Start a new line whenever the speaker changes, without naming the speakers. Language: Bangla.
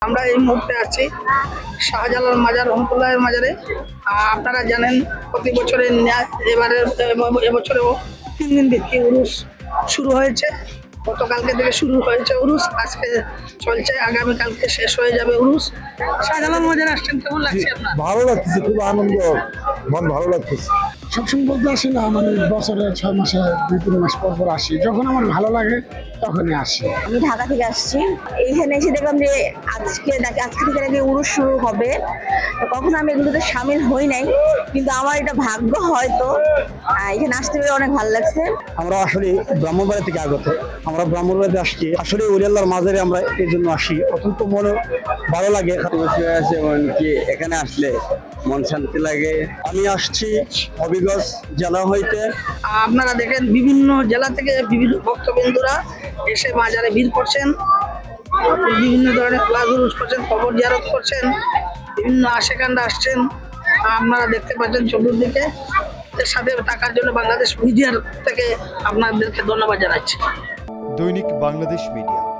আমরা এই মুহূর্তে আছি শাহজালাল মাজার রহমতুল্লাহের মাজারে। আপনারা জানেন প্রতি বছরের ন্যায় এবছরেও 3 দিন ভিত্তি উরুস শুরু হয়েছে। গতকালকে থেকে শুরু হয়েছে উরুস, আজকে চলছে, আগামীকালকে শেষ হয়ে যাবে উরুস। শাহজালাল মাজারে আসছেন, কেমন লাগছে আপনার?
ভালো লাগতেছে, খুব আনন্দ, মন ভালো লাগতেছে।
সবসময় বলতে আসি না, মানে বছরে 6 মাসে 2-3 মাস পর পর আসি, যখন আমার ভালো লাগে তখনই আসি।
আমি ঢাকা থেকে আসছি, এইখানে এসে দেখলাম যে আজকে থেকে নাকি উরুস শুরু হবে। কখনো আমি এগুলোতে সামিল হই নাই, কিন্তু আমার এটা ভাগ্য হয়তো। এখানে আসতে পেরে অনেক ভালো লাগছে।
আমরা আসলে ব্রাহ্মণবাড়ি থেকে আগত, আমরা ব্রাহ্মণবাড়িতে আসছি, আসলে ওলি আল্লাহর মাজারে আমরা এই জন্য আসি, অত্যন্ত মনে ভালো লাগে। এখানে আসলে মন শান্তি লাগে। আমি আসছি হবিগঞ্জ জেলা হইতে।
আপনারা দেখেন বিভিন্ন জেলা থেকে বিভিন্ন ভক্তবৃন্দরা এসে মাজারে ভিড় করছেন, বিভিন্ন ধরনের ক্লাস উরুস করছেন, কবর জিয়ারত করছেন, বিভিন্ন আশেকান্ডা আসছেন। আপনারা দেখতে পাচ্ছেন চতুর্দিকে। এর সাথে থাকার জন্য বাংলাদেশ মিডিয়ার থেকে আপনাদেরকে ধন্যবাদ জানাচ্ছি।
দৈনিক বাংলাদেশ মিডিয়া।